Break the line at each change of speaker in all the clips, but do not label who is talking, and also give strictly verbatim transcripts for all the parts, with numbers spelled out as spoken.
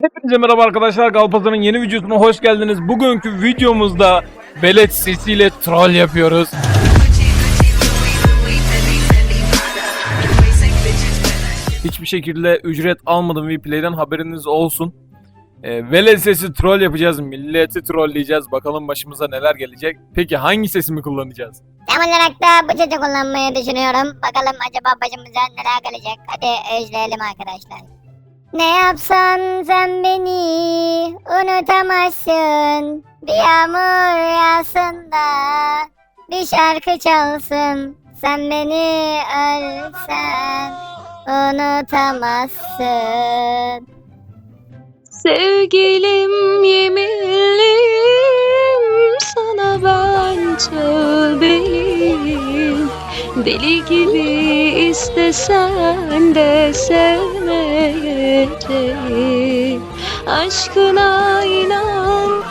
Hepinize merhaba arkadaşlar, Galpazan'ın yeni videosuna hoş geldiniz. Bugünkü videomuzda velet sesiyle troll yapıyoruz. Hiçbir şekilde ücret almadım Vplay'den, haberiniz olsun. E, velet sesi troll yapacağız, milleti trolleyeceğiz. Bakalım başımıza neler gelecek. Peki hangi sesimi kullanacağız?
Tam olarak da bu sesi kullanmayı düşünüyorum. Bakalım acaba başımıza neler gelecek. Hadi özleyelim arkadaşlar. Ne yapsan sen beni unutamazsın. Bir yağmur yağsın da bir şarkı çalsın. Sen beni ölsen unutamazsın.
Sevgilim yeminlim sana ben tövbeyim. Deli gibi istesen de sevmeyeceğim. Aşkına inan.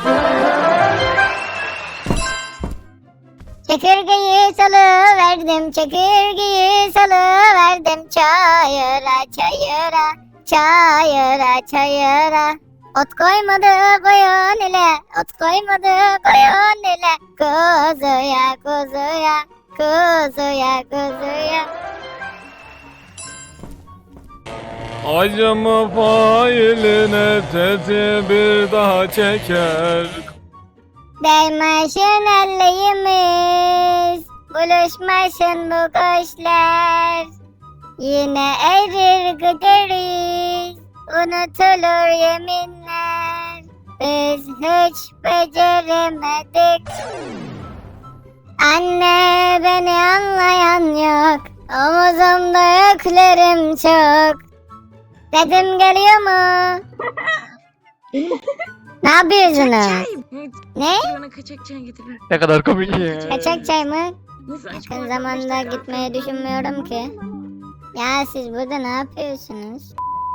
Çekirgeyi salıverdim, çekirgeyi salıverdim çayıra çayıra, çayıra çayıra. Ot koymadı koyun ile, ot koymadı koyun ile. Kuzuya kuzuya, kuzuya kuzuya.
Acımı failine teti bir daha çeker.
Değmeşin ellerimiz, buluşmasın bu kuşlar. Yine erir gideriz, unutulur yeminler. Biz hiç beceremedik. Anne beni anlayan yok, omuzumda yüklerim çok. Sesim geliyor mu? Ne yapıyorsunuz? Ne?
Bana kaçak çay getirin.
Ne kadar komik ya.
Kaçak çay mı?
Nasıl
Yakın zamanda gitmeyi düşünmüyorum ki. Ya siz burada ne yapıyorsunuz?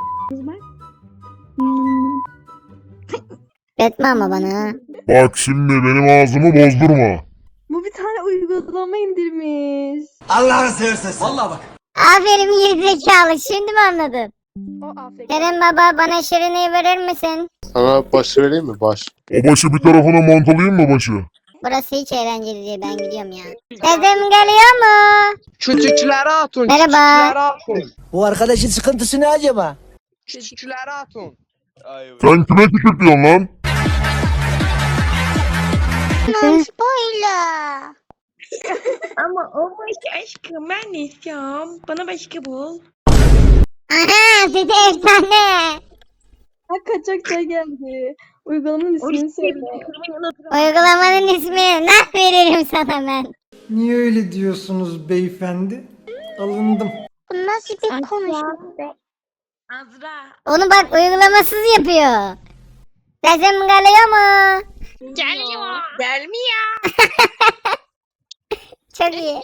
Etme ama bana.
Bak şimdi benim ağzımı bozdurma.
Bu bir tane uygulama indirmiş.
Allah'ını seversen. Vallahi bak.
Aferin gerizekalı, şimdi mi anladın?
O Afrika.
Kerem baba bana şirineyi verir misin?
Sana baş vereyim mi? Baş.
O başı bir tarafına mantalayayım mı başı?
Burası hiç eğlenceli değil, ben gidiyorum ya. Sesim geliyor mu?
Şu Türkçülere atın.
Merhaba.
Türkçülere atın.
Bu arkadaşın sıkıntısı ne acaba?
Şu Türkçülere atın.
Sen kime tükürtüyorsun lan?
Spoiler.
Ama o başka aşkım, ben de istiyorum. Bana başka bul.
Aha, size efsane.
Ha, kaçak çay geldi. Uygulamanın ismini söyle.
Uygulamanın ismini nah veririm sana ben.
Niye öyle diyorsunuz beyefendi? Alındım.
Bu nasıl bir konuşma be?
Azra.
Onu bak uygulamasız yapıyor. Sesim geliyor mu?
Geliyor. Gelmiyor.
Çok iyi.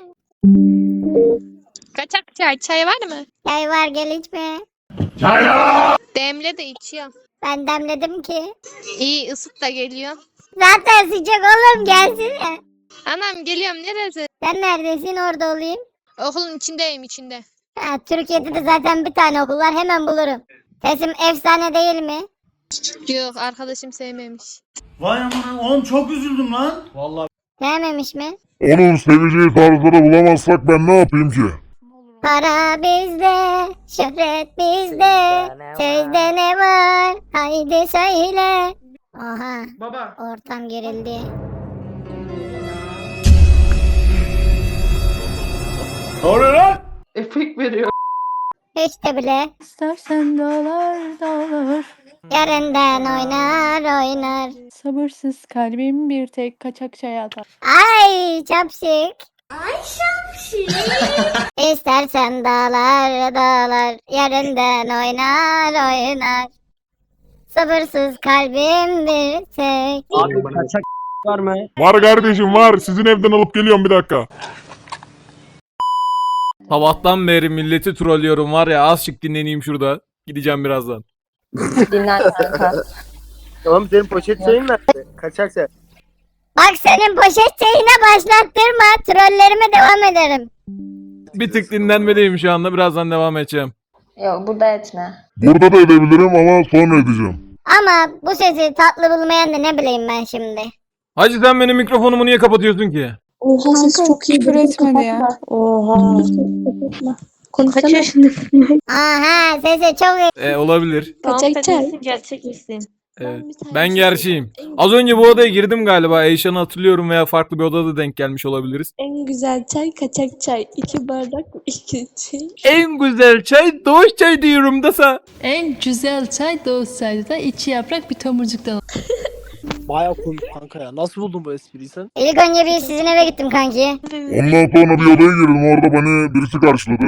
Kaçak çay. Çay var mı?
Çay var, gel içme.
Demle de içiyorum.
Ben demledim ki.
İyi, ısıt da geliyor.
Zaten sıcak oğlum, gelsene.
Anam geliyorum, neresi?
Sen neredesin, orada olayım.
Okulun içindeyim, içinde.
Ha, Türkiye'de de zaten bir tane okul var, hemen bulurum. Sesim efsane değil mi?
Yok, arkadaşım sevmemiş.
Vay aman oğlum çok üzüldüm lan.
Sevmemiş mi?
Onun seveceği tarzları bulamazsak ben ne yapayım ki?
Para bizde, şöhret bizde. Sözde ne var? Haydi söyle. Oha,
Baba.
ortam gerildi.
Ne oluyor lan? Efekt veriyor.
Hiç de bile.
İstersen dağlar dağlar.
Yarından oynar oynar.
Sabırsız kalbim bir tek kaçak çay atar.
Ay çapşık. Ay çapşık. İstersen dağlar dağlar. Yarından oynar oynar. Sabırsız kalbim bir tek.
Abi kaçak var mı?
Var kardeşim var. Sizin evden alıp geliyorum bir dakika.
Sabahtan beri milleti trollüyorum var ya, azıcık dinleneyim şurada. Gideceğim birazdan.
Dinlen kanka.
Tamam senin poşet şeyin nerede? Kaçak sen.
Bak senin poşet şeyine başlattırma. Trollerime devam ederim.
Bir tık dinlenmedeyim şu anda. Birazdan devam edeceğim.
Yok burada etme.
Burada da edebilirim ama sonra edeceğim.
Ama bu sesi tatlı bulmayan da ne bileyim ben şimdi.
Hacı sen benim mikrofonumu niye kapatıyorsun ki?
Oha ses çok iyi.
küfür etmedi ya.
Oha. Konuşsana. Kaç yaşındasın?
Aha sesi çok iyi.
E, olabilir.
Kaçak çay. Gerçek misin?
Evet. Ben gerçeğim. Az önce bu odaya girdim galiba. Eyşan'ı hatırlıyorum veya farklı bir odada denk gelmiş olabiliriz.
En güzel çay kaçak çay. İki bardak iki çay.
En güzel çay doğuş çay diyorum da sen.
En güzel çay Doğu çayda iki yaprak bir tomurcuktan.
Baya komik kanka ya. Nasıl buldun bu espriyi sen?
İlk önce bir sizin eve gittim kanki.
Ondan sonra bir odaya girdim. Orada beni birisi karşıladı.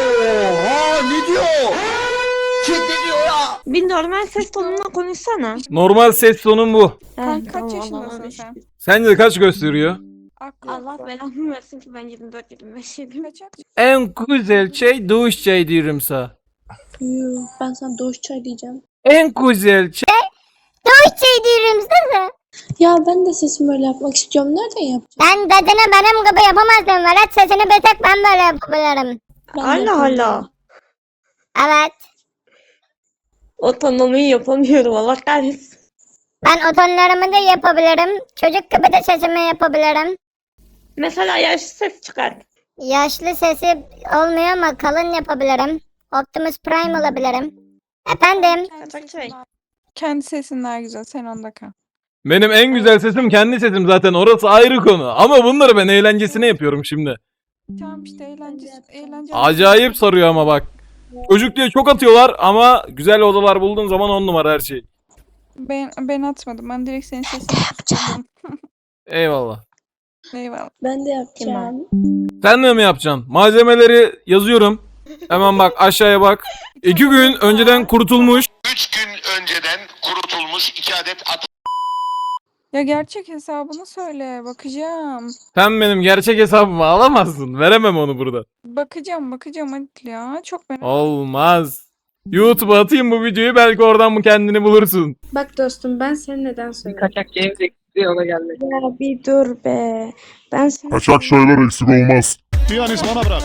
Bir normal ses tonunla konuşsana.
Normal ses tonum bu.
Ha,
Kaç
tamam,
yaşındasın
Allah'ım.
sen?
Sence kaç gösteriyor?
Aklı.
Allah belamı versin ki ben yirmi dört yirmi beş yedim.
Kaçak.
En güzel çay doğuş çay diyorum sana.
Yuh, ben sana doğuş çay diyeceğim.
En güzel çay.
Doğuş çay diyorum size.
Ya ben de sesimi öyle yapmak istiyorum. Nereden yapacağım?
Ben dedene benim gibi yapamazdım. Velet sesini bir tek ben böyle yapabilirim.
Allah Allah.
Evet.
Otonomiyi yapamıyorum Allah kahretsin.
Ben o tonlarımı da yapabilirim. Çocuk gibi de sesimi yapabilirim.
Mesela yaşlı ses çıkar.
Yaşlı sesi olmuyor ama kalın yapabilirim. Optimus Prime olabilirim. Efendim?
Kaçak çay.
Kendi sesin daha güzel. Sen onda kal.
Benim en güzel sesim kendi sesim zaten. Orası ayrı konu. Ama bunları ben eğlencesine yapıyorum şimdi.
Tamam işte eğlence. eğlence.
Acayip sarıyor ama bak. Çocuk diye çok atıyorlar ama güzel odalar bulduğun zaman on numara her şey.
Ben, ben atmadım. Ben direkt senin sesini tuttum.
Eyvallah.
Eyvallah.
Ben de yapacağım.
Sen de mi yapacaksın? Malzemeleri yazıyorum. Hemen bak aşağıya bak. İki gün önceden kurutulmuş.
Üç gün önceden kurutulmuş iki adet at.
Ya gerçek hesabını söyle. Bakacağım.
Sen benim gerçek hesabımı alamazsın. Veremem onu burada.
Bakacağım bakacağım hadi ya. Çok merak
Olmaz. YouTube'a atayım bu videoyu belki oradan bu kendini bulursun.
Bak dostum ben seni neden söylüyorum?
Kaçak James eksikliği ona gelmedi.
Ya bir dur be. Ben seni...
Kaçak şeyler eksik olmaz.
Piyanist bana bırak.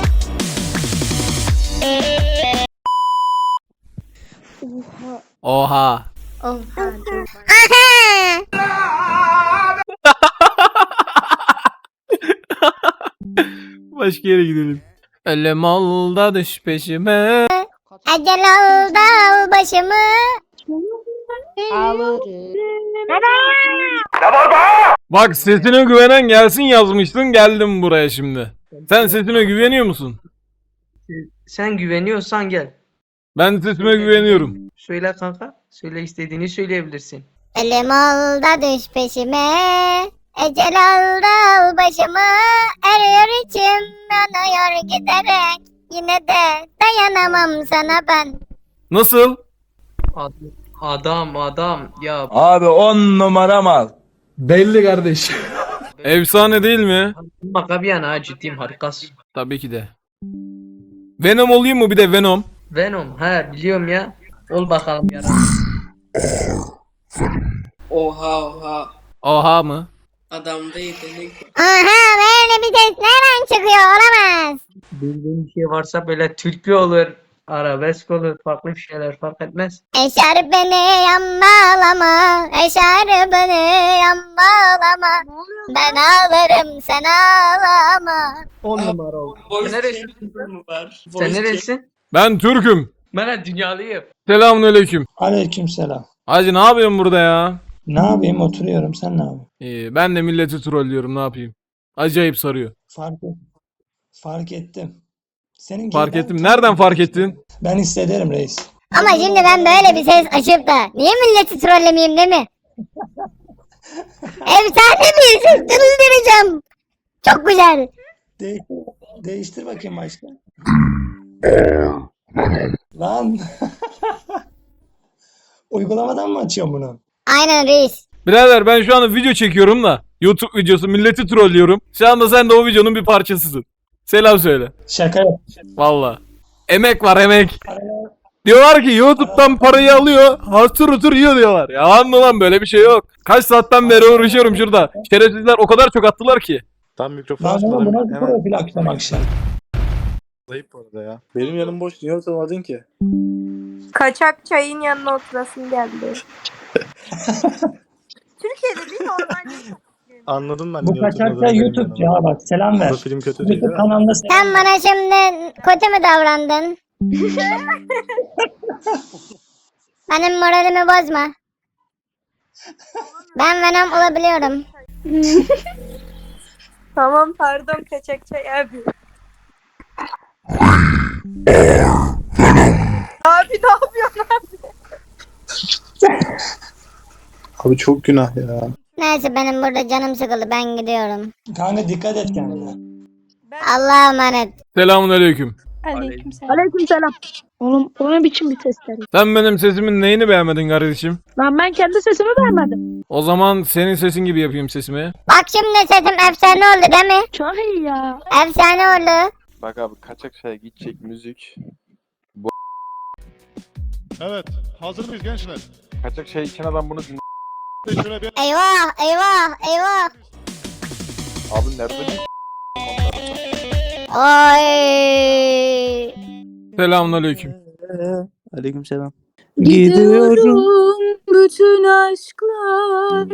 Oha.
Oha.
Aha!
Başka yere gidelim. Ölüm ol da düş peşime.
Ecel al da al başımı.
Bak sesine güvenen gelsin yazmıştın geldim buraya şimdi. Sen sesine güveniyor musun?
Sen güveniyorsan gel.
Ben sesime güveniyorum.
Söyle kanka. Söyle istediğini söyleyebilirsin.
Elim al da düş peşime. Ecel al da al başımı. Eriyor içim yanıyor giderek. Yine de dayanamam sana ben.
Nasıl?
Adam adam ya.
Abi on numara mal. Belli kardeş.
Efsane değil mi?
Baka bir yana ha, ciddiyim harikasın.
Tabii ki de. Venom olayım mı bir de Venom?
Venom he biliyorum ya. Ol bakalım yara.
Oha oha.
Oha mı?
Adamda yetenek.
Aha böyle bir ses nereden çıkıyor olamaz.
Bildiğin bir şey varsa böyle türkü olur. Arabesk olur. Farklı bir şeyler fark etmez.
Eşer beni yan bağlama. Eşer beni yan bağlama. Ben ağlarım sen ağlama.
On numara oldu.
Voice
Sen neresin?
changer mı var?
Sen
Voice
neresin?
Ben Türk'üm.
Ben dünyalıyım.
Selamünaleyküm.
Aleykümselam.
Hacı ne yapıyorsun burada ya?
Ne yapayım oturuyorum sen ne yapıyorsun?
İyi, ben de milleti trollüyorum ne yapayım. Acayip sarıyor.
Fark et. Fark ettim. Senin
Fark
ben-
ettim. Nereden fark ettin?
Ben hissederim reis.
Ama şimdi ben böyle bir ses açıp da niye milleti trollemeyeyim değil mi? Efsane bir ses çıldıracağım. Çok güzel.
De- değiştir bakayım başka. Lan. Uygulamadan mı açıyorsun bunu?
Aynen reis.
Birader ben şu anda video çekiyorum da. YouTube videosu milleti trollüyorum. Şu anda sen de o videonun bir parçasısın. Selam söyle.
Şaka yap.
Valla. Emek var emek. Diyorlar ki YouTube'dan parayı alıyor. Hatır hutur yiyor diyorlar. Yalan mı lan böyle bir şey yok. Kaç saatten beri uğraşıyorum şurada. Şerefsizler o kadar çok attılar ki.
Tam mikrofon
Lan oğlum
açmadım.
bu nasıl
Hemen
profil akşam akşam?
zayıf bu arada ya. Benim yanım boş. Niye oturmadın ki?
Kaçak çayın yanına oturasın geldi. Türkiye'de bir normal.
Anladım ben.
Bu kaçakta YouTube'cu ha bak selam ver.
Film kötü değil
YouTube kanalında
Sen bana şimdi kötü mü davrandın? Benim moralimi bozma. Ben Venom olabiliyorum.
Tamam pardon kaçak çay abi. Abi ne yapıyorsun abi?
Abi çok günah ya.
Neyse benim burada canım sıkıldı, ben gidiyorum.
kanka dikkat et kendine.
Allah'a emanet.
Selamun aleyküm.
Aleykümselam.
Aleykümselam. Oğlum o ne biçim bir sesler?
Sen benim sesimin neyini beğenmedin kardeşim?
Lan ben kendi sesimi beğenmedim.
O zaman senin sesin gibi yapayım sesimi.
Bak şimdi sesim efsane oldu değil mi?
Çok iyi ya.
Efsane oldu.
Bak abi kaçak çaya gidecek müzik.
Evet. Hazır mıyız gençler?
Kaçak çay içen adam bunu dinle.
Şöyle bir
Eyvah eyvah eyvah.
Abi nerede?
Oy.
Selamun aleyküm.
Aleykümselam.
Gidiyorum bütün aşklar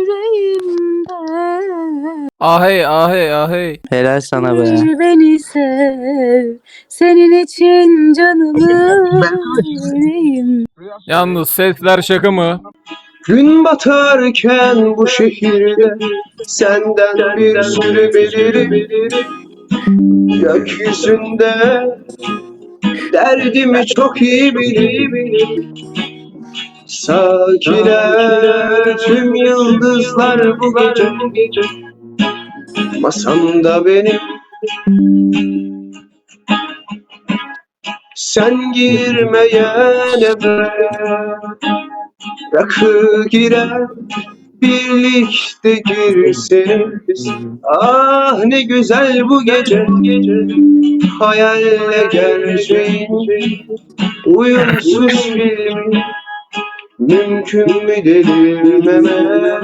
yüreğimde.
Ahey ahey ahey.
Helal sana
Beni sev, senin için canımı vereyim.
Yalnız sesler şaka mı?
Gün batarken bu şehirde senden bir sürü belirim. Gökyüzünde derdimi çok iyi bilirim. Sakiler tüm yıldızlar bu gece masamda benim. Sen girmeyen eve rakı girer, birlikte girseniz. Ah ne güzel bu gece, hayalle gerçeğin uyumsuz filmi. Mümkün mü delirmeme,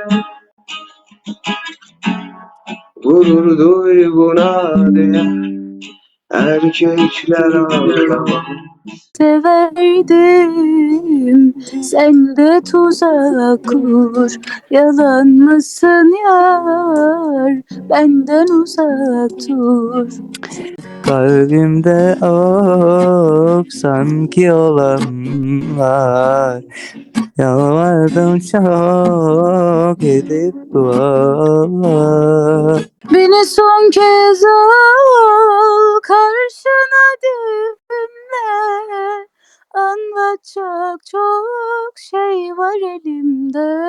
gurur duyguna değer erkekler ağlamaz.
Severdim, sen de tuzak kur. Yalan mısın yar, benden uzak dur.
Kalbimde ok sanki olanlar. Yalvardım çok edip dualar.
Beni son kez al karşına dinle. Anlatacak çok şey var elimde.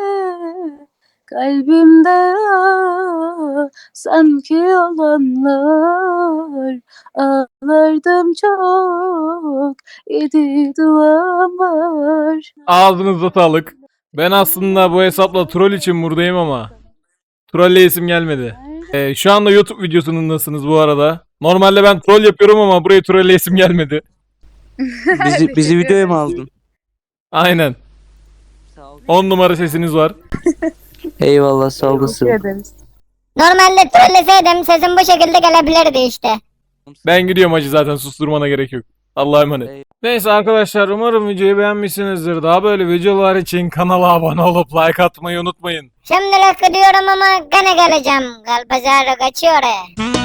Kalbimde ah, sanki olanlar. Ağlardım çok, yedi duam var.
Ağzınıza sağlık. Ben aslında bu hesapla troll için buradayım ama trolleyesim gelmedi. Ee, şu anda YouTube videosunundasınız bu arada. Normalde ben troll yapıyorum ama buraya trolleyesim gelmedi.
Bizi, bizi videoya mı aldın?
Aynen. on numara sesiniz var.
Eyvallah sağ olasın.
Normalde trolleseydim sesim bu şekilde gelebilirdi işte.
Ben gidiyorum hacı, zaten susturmana gerek yok. Allah'a emanet. Neyse arkadaşlar, umarım videoyu beğenmişsinizdir. Daha böyle videolar için kanala abone olup like atmayı unutmayın.
Şimdilik gidiyorum ama gene geleceğim. Galpazarı kaçıyor oraya.